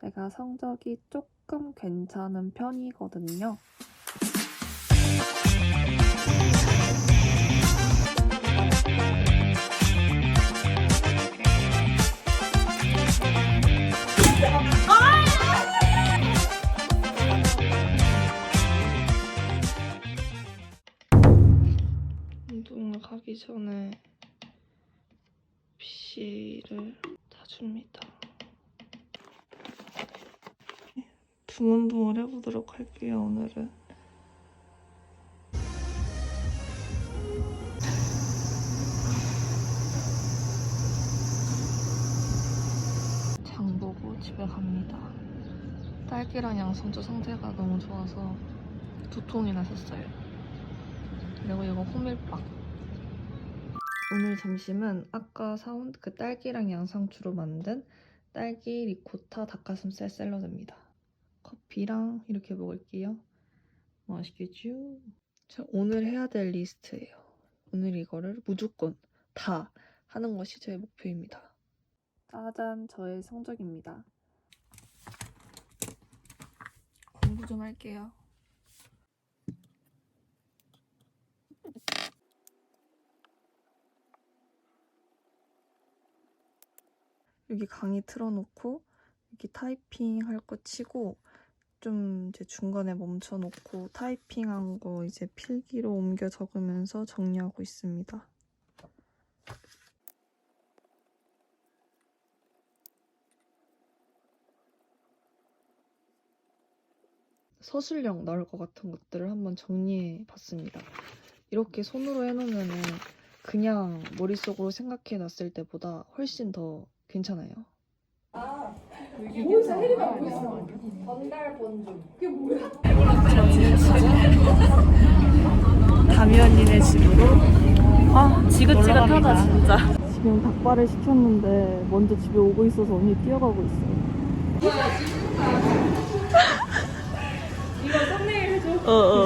내가 성적이 조금 괜찮은 편이거든요. 운동을 가기 전에 PC를 타줍니다. 붕얼붕얼 해보도록 할게요, 오늘은. 장 보고 집에 갑니다. 딸기랑 양손주 상태가 너무 좋아서 두통이나 샀어요. 그리고 이거 호밀빵. 오늘 점심은 아까 사온 그 딸기랑 양상추로 만든 딸기 리코타 닭가슴살 샐러드입니다. 커피랑 이렇게 먹을게요. 맛있겠죠? 자, 오늘 해야 될 리스트예요. 오늘 이거를 무조건 다 하는 것이 제 목표입니다. 짜잔, 저의 성적입니다. 공부 좀 할게요. 여기 강의 틀어놓고 여기 타이핑 할 거 치고 좀 이제 중간에 멈춰놓고 타이핑한 거 이제 필기로 옮겨 적으면서 정리하고 있습니다. 서술형 나올 것 같은 것들을 한번 정리해 봤습니다. 이렇게 손으로 해놓으면은 그냥 머릿속으로 생각해 놨을 때보다 훨씬 더 괜찮아요. 뭐야? 혜리가 보고 있어. 전달 본중. 그게 뭐야? 담이 언니네 집으로 지긋지긋하다 진짜. 지금 닭발을 시켰는데 먼저 집에 오고 있어서 언니 뛰어가고 있어요. 이거 썸네일 해줘. 어어.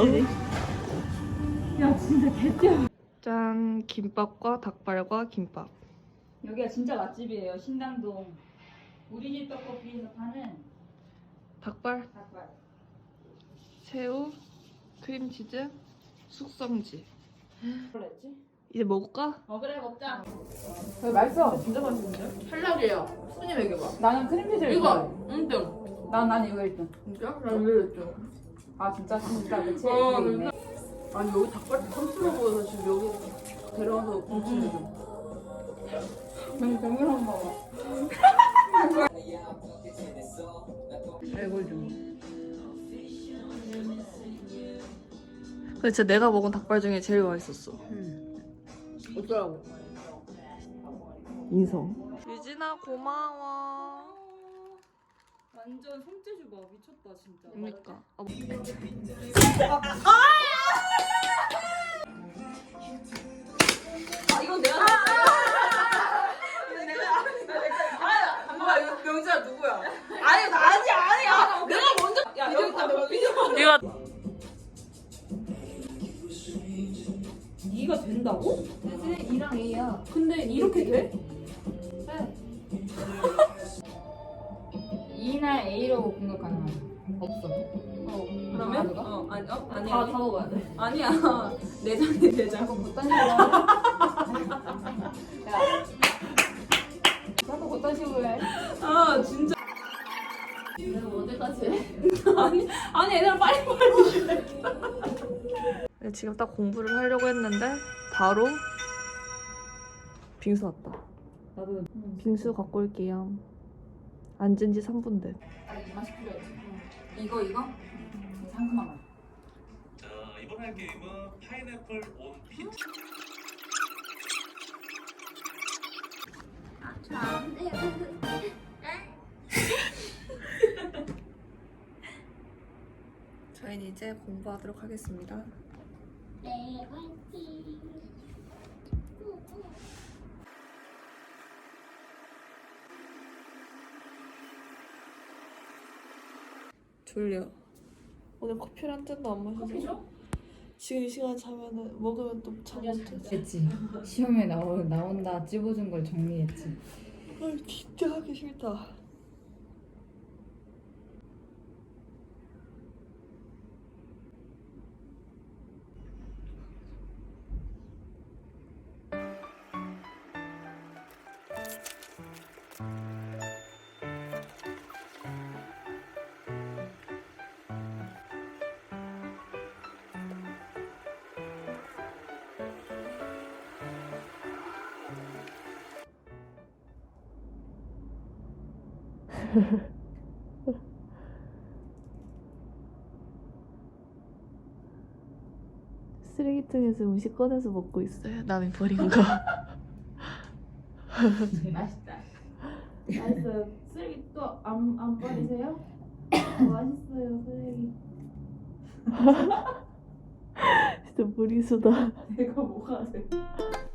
야 진짜 개뛰어. 짠, 김밥과 닭발과 김밥. 여기가 진짜 맛집이에요. 신당동. 우리 집 떡볶이에서 파는 닭발, 닭발. 새우, 크림치즈, 숙성지. 그랬지? 이제 먹을까? 그래 먹자. 맛있어. 진짜 맛있는데? 탈락이에요. 순위 매겨봐. 나는 크림치즈 이거 1등. 난 이거 1등. 진짜? 난 왜 이랬죠? 아 진짜? 진짜 그치? 어, 그게 있네. 아니 여기 닭발 탐스러 보여서 지금 여기 데려와서 공치는 좀. 난 정말 한 번. 알고 좀. 근데 진짜 내가 먹은 닭발 중에 제일 맛있었어. 어쩌라고? 인성. 유진아 고마워. 완전 손재주 봐. 미쳤다 진짜. 그러니까. 이건 내가. 뭐야 이거 명지야 누구야? 아니 나 아니야. 내가 먼저. 야 여기 다 내가 비디오. 네가 네가 된다고? 대신에 2랑 A야. 근데 이렇게 돼? E나 A로 공격 가능하지. 없어. 그러면? 아니 아니야. 다 먹어야 돼. 아니야. 내장이 내장. 못단 식으로 해. 야. 나도 못단 식으로 해. 아 진짜. 내가 어디까지 해? 아니 얘들아 빨리. 네, 지금 딱 공부를 하려고 했는데 바로 빙수 왔다. 나도 빙수 갖고 올게요. 앉은 지 3분 돼. 이 맛이 필요해. 이거? 상큼한 맛. 자, 이번 할 게임은 파인애플 온 피자. 저희는 이제 공부하도록 하겠습니다. 네, 화이팅! 졸려. 오늘 커피를 한 잔도 안 마셔서. 지금 이 시간 자면은 먹으면 또 잠 못 자지. 했지. 시험에 나온다 찝어준 걸 정리했지. 아 진짜 하기 싫다. 쓰레기통에서 음식 꺼내서 먹고 있어요. 남이 버린 거. 맛있다. 맛있어요. 쓰레기 또 안 버리세요? 맛있어요 쓰레기. 진짜 무리수다. 내가 뭐가 돼?